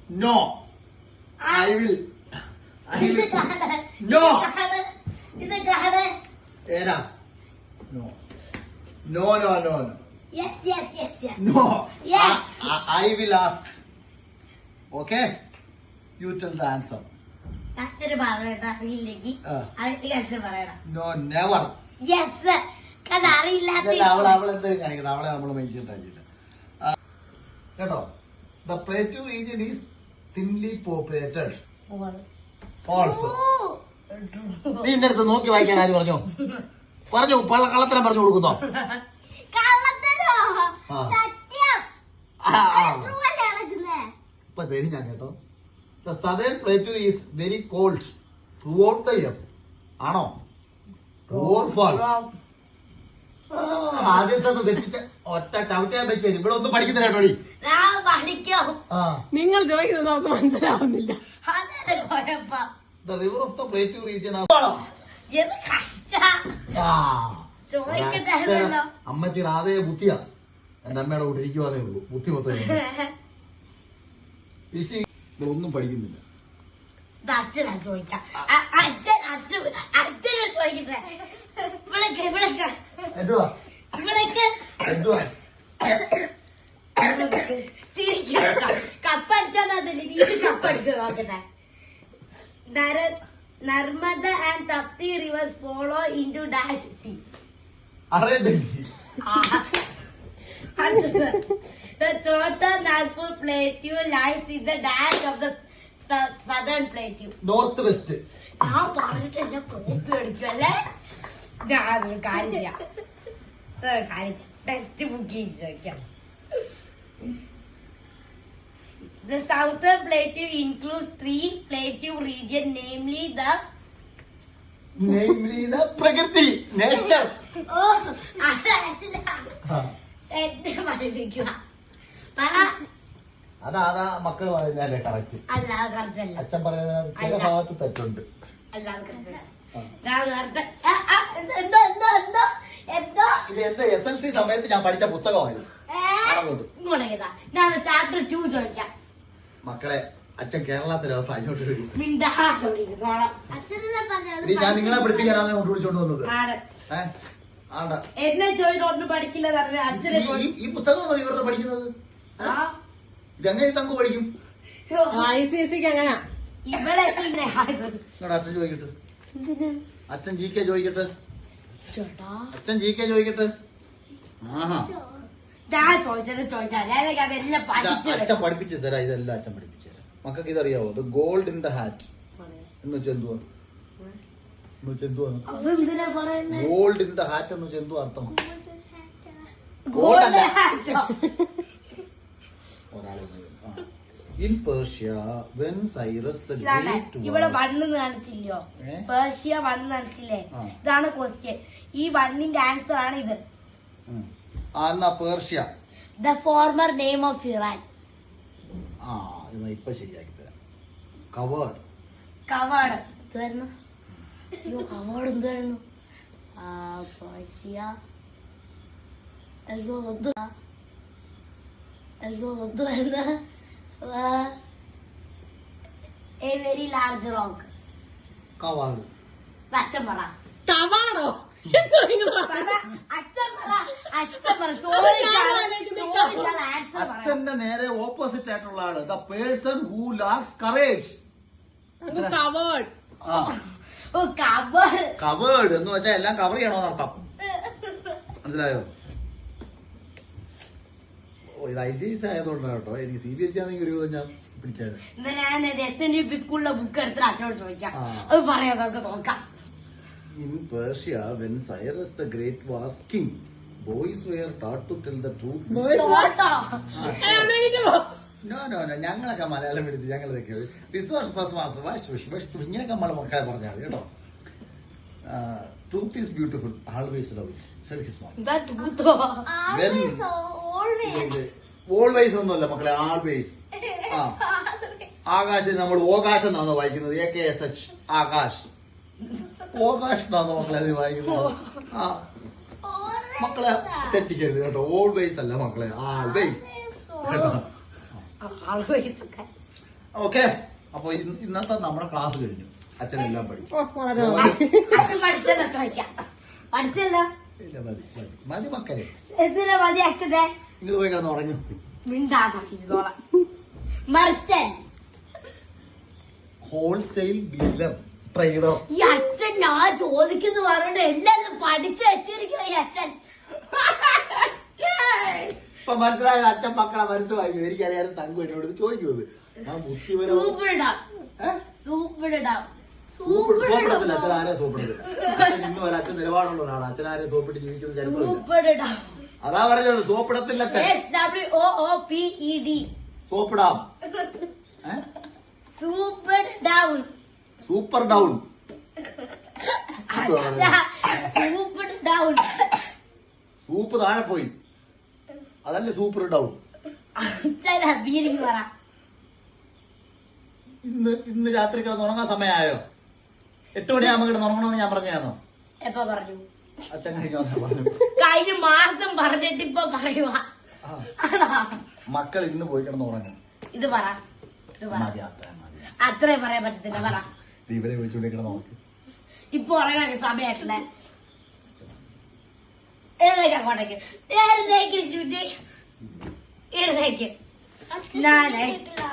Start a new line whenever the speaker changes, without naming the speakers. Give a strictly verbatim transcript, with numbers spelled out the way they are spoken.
No. I will. I will. No.
ഇത് കാണേ.
ഏതാ? No. No, no, no, no.
Yes, yes, yes, yes.
No.
Yes.
I, I, I will ask. Okay? You tell the answer.
അച്ഛന് പറയണ്ട അറിയില്ലെങ്കിൽ അച്ഛൻ പറയണം.
No, never.
Yes കാരണം അറിയില്ലാത്ത
അവൾ അവൾ എന്തെങ്കിലും കാണിക്കണം. അവളെ നമ്മൾ മെയിൻറ്റാക്കിട്ട് കേട്ടോ. The plateau region is thinly populated. Also നീ എന്റെ അടുത്ത് നോക്കി വായിക്കാൻ ആര് പറഞ്ഞു? പറഞ്ഞു കള്ളത്തരം പറഞ്ഞു കൊടുക്കുന്നോ? ഇപ്പൊ തരും ഞാൻ കേട്ടോ. The southern plateau is very cold throughout the year. ആണോ? True or false? ആദ്യത്തെ തെറ്റിച്ച ഒറ്റ ചവിട്ടാൻ പറ്റിയ ഇവിടെ ഒന്നും പഠിക്കുന്നില്ല കേട്ടോടി.
നിങ്ങൾ ചോദിക്കുന്നത് നമുക്ക് മനസ്സിലാവുന്നില്ല.
The river of the plateau region. അമ്മച്ചിയുടെ അതേ ബുദ്ധിയാ എന്റെ അമ്മയുടെ കൂടെ ഇരിക്കുവാതേ ഉള്ളൂ. ബുദ്ധി മൊത്തം ഒന്നും പഠിക്കുന്നില്ല.
അച്ഛനാ ചോദിക്കാം. അച്ഛൻ അച്ഛൻ അച്ഛനെ ചോദിക്കട്ടെ. ഇവിടേക്ക് ഇവിടേക്ക്
എന്തുവാ
ഇവിടേക്ക്
എന്തുവാ
കപ്പടിച്ചോണ്ടതില്ല. നീ കപ്പടിക്കുക നോക്കട്ടെ. Narmada and Tapti rivers flow into dash C. The Chota Nagpur Plateau lies in the dash of the southern plateau.
North west.
ഞാൻ പറഞ്ഞിട്ട് എന്നെ കോപ്പി അടിക്കുമല്ലേ. ഞാനൊരു കാര്യം ചെയ്യാം. കാര്യം ടെക്സ്റ്റ് ബുക്ക് ചെയ്ത് ചോദിക്കാം. The southern plateau includes three plateau regions, namely the
namely the പ്രകൃതി നേച്ചർ.
ഓ അതല്ല എന്നെ പഠിപ്പിക്കുക.
അതാ അതാ മക്കള് പറയുന്നതല്ലേ കറക്റ്റ്.
അല്ല കറക്റ്റ് അല്ല.
അച്ഛൻ പറയുന്നത് ചില ഭാഗത്ത് തെറ്റുണ്ട്.
അല്ലാതെ കറക്റ്റ് എന്തോ എന്തോ എന്തോ എന്തോ
ഇത് എന്റെ എസ് എൽ സി സമയത്ത് ഞാൻ പഠിച്ച പുസ്തകമായിരുന്നു.
ഞാൻ ചാപ്റ്റർ ടു ചോദിക്കാം.
മക്കളെ അച്ഛൻ കേരള സിലബസ് അങ്ങോട്ട് വരും. ഞാൻ നിങ്ങളെ പഠിപ്പിക്കാനാണ് അങ്ങോട്ട് വിളിച്ചോണ്ട് വന്നത്.
എന്നെ ചോദിച്ചോണ്ട് പഠിക്കില്ല.
ഈ പുസ്തകം ഇവരുടെ പഠിക്കുന്നത് ഇതെങ്ങനെ തങ്കു പഠിക്കും?
ഐ സി എസ് സിക്ക് അങ്ങനെ
ഇവിടെ
അച്ഛൻ ചോദിക്കട്ടെ. അച്ഛൻ ജി കെ ചോദിക്കട്ടെ. അച്ഛൻ ജി കെ ചോദിക്കട്ടെ. ആഹാ
ഞാൻ ചോദിച്ചത് ചോദിച്ചാൽ
അച്ഛൻ പഠിപ്പിച്ചു തരാം. ഇതെല്ലാം അച്ഛൻ പഠിപ്പിച്ചു തരാം. മക്കൾക്ക് ഇതറിയാവോ? The gold in the hat എന്ന് വെച്ചാൽ എന്തുവാ? എന്ന് വെച്ചാൽ എന്തുവാ ഗോൾഡ് ഇൻ ദ ഹാറ്റ് എന്ന് വെച്ചാൽ എന്തുവാ അർത്ഥം? ഒരാളെ in Persia when Cyrus the great
ഇവിടെ വണ്ണ് കാണിച്ചില്ലയോ? പേർഷ്യ വണ്ണ് കാണിച്ചില്ലേ? ഇതാണ് ക്വസ്റ്റ്യൻ. ഈ വണ്ണിന്റെ ആൻസർ ആണ് ഇത്.
Persia
the former name of Iran.
ആ ഇപ്പൊ ശരിയാക്കി തരാം. കവേർഡ്
കവേർഡ് എന്തായിരുന്നു? അയ്യോ കവേർഡ് എന്തായിരുന്നു? പേർഷ്യ. അയ്യോ എന്ത് അയ്യോ എന്തുവായിരുന്നു? A very large rock.
Coward.
അച്ഛൻ പറ.
കവാടോ?
അച്ഛന്റെ നേരെ ഓപ്പോസിറ്റ് ആയിട്ടുള്ള ആള് the person who lacks courage. Coward എന്ന് വെച്ചാൽ എല്ലാം കവർ ചെയ്യണോന്ന് അർത്ഥം. മനസ്സിലായോ? ഇത് ഐ സി എസ് ആയതുകൊണ്ടാണ് കേട്ടോ. എനിക്ക് സി ബി എസ് സി ആണെങ്കിൽ ഒരു ഞാൻ പിടിച്ചത്.
ഞാൻ എസ് എൻ ഡി പി സ്കൂളിലെ ബുക്ക് എടുത്തിട്ട് അച്ഛനോട് ചോദിക്കാം. അത് പറയാം നമുക്ക് നോക്കാം.
In Persia, when Cyrus the Great was king, boys were taught to tell the truth. No, no, no. ഞങ്ങളൊക്കെ മലയാളം എടുത്ത് ഞങ്ങളൊക്കെ ഇങ്ങനെയൊക്കെ നമ്മൾ മക്കളെ പറഞ്ഞാൽ മതി കേട്ടോ. Truth is beautiful. Always love it. Said his mom. Always ഒന്നുമല്ല മക്കളെ. ആൾവേസ്. ആ ആകാശം നമ്മൾ ഓകാശം എന്നാണോ വായിക്കുന്നത്? A K S H Akash. ഓകാശ് എന്നാണോ മക്കളെ അത് വായിക്കുന്നത്? ആ മക്കളെ തെറ്റിക്കരുത് കേട്ടോ. ഓൾവേസ് അല്ല മക്കളെ. ആൾവേസ് കേട്ടോ. ഓക്കെ, അപ്പൊ ഇന്ന് ഇന്നത്തെ നമ്മുടെ ക്ലാസ് കഴിഞ്ഞു. അച്ഛനെല്ലാം പഠിക്കും.
ഓ, വളരെ നന്ദി.
അച്ഛൻ പഠിച്ചല്ലോ ചോദിക്കാം. പഠിച്ചല്ലോ.
ഇല്ല, മതി മതി മതി മക്കളെ,
എന്തിനാ മതിയാക്കുന്നേ?
നിങ്ങൾ പോയി കിടന്ന് ഉറങ്ങും.
മിണ്ടാക്കിക്കോളാം. മറിച്ചൻ
ഹോൾസെയിൽ ഡീലർ ട്രേഡർ.
ഈ അച്ഛൻ ഞാൻ ചോദിക്കുന്നു പറഞ്ഞിട്ട് എല്ലാം പഠിച്ചു വെച്ചിരിക്കും ഈ അച്ഛൻ.
ഇപ്പൊ മനസ്സിലായത് അച്ഛൻ മക്കളെ മനസ്സിലാക്കി. എനിക്കറിയാനും തങ്കു എന്നോട് ചോദിക്കുന്നത് ആ ബുദ്ധിപരം
സൂപ്പിടാം സൂപ്പിടാം
സോപ്പിടത്തില്ല. അച്ഛൻ ആരെ സോപ്പിടത്തില്ല. അച്ഛൻ ഇന്ന് വരെ അച്ഛൻ നിലപാടുള്ള ഒരാളാണ്. അച്ഛൻ ആരെ സോപ്പിട്ട് ജീവിക്കുന്ന ചരിത്രമില്ല.
സൂപ്പിടാം.
അതാ പറഞ്ഞത്, സോപ്പിടത്തില്ല അച്ഛൻ.
S W O O P E D.
സോപ്പിടാം.
Super down.
Super down.
Super down.
Soup താഴെ പോയി, അതല്ലേ സൂപ്പർ ഡൗൺ.
അച്ഛൻ അബീരിങ് പറ.
ഇന്ന് ഇന്ന് രാത്രി കിടന്ന് ഉറങ്ങാൻ സമയമായോ? എട്ട് മണിയാകുമ്പോ കിടന്ന് ഉറങ്ങണമെന്ന് ഞാൻ പറഞ്ഞാന്നോ?
എപ്പോ പറഞ്ഞു?
അച്ഛൻ കഴിഞ്ഞ ദിവസം പറഞ്ഞു.
കഴിഞ്ഞ മാസം പറഞ്ഞിട്ട് ഇപ്പൊ പറയുക.
മക്കൾ ഇന്ന് പോയി കിടന്ന് ഉറങ്ങും.
ഇത് പറ, ഇത് പറ.
മതി, അത്ര മതി.
അത്രേ പറയാൻ പറ്റത്തില്ല. പറ.
ഇവരെ വിളിച്ചുകൊണ്ട് കിടന്ന് ഉറക്കും.
ഇപ്പൊ ഉറങ്ങാൻ സമയമായിട്ടില്ലേ? എഴുന്നേക്ക് അങ്ങോട്ടേക്ക്. എഴുന്നേക്ക് ചുറ്റി എഴുന്നേക്ക്. നാലേ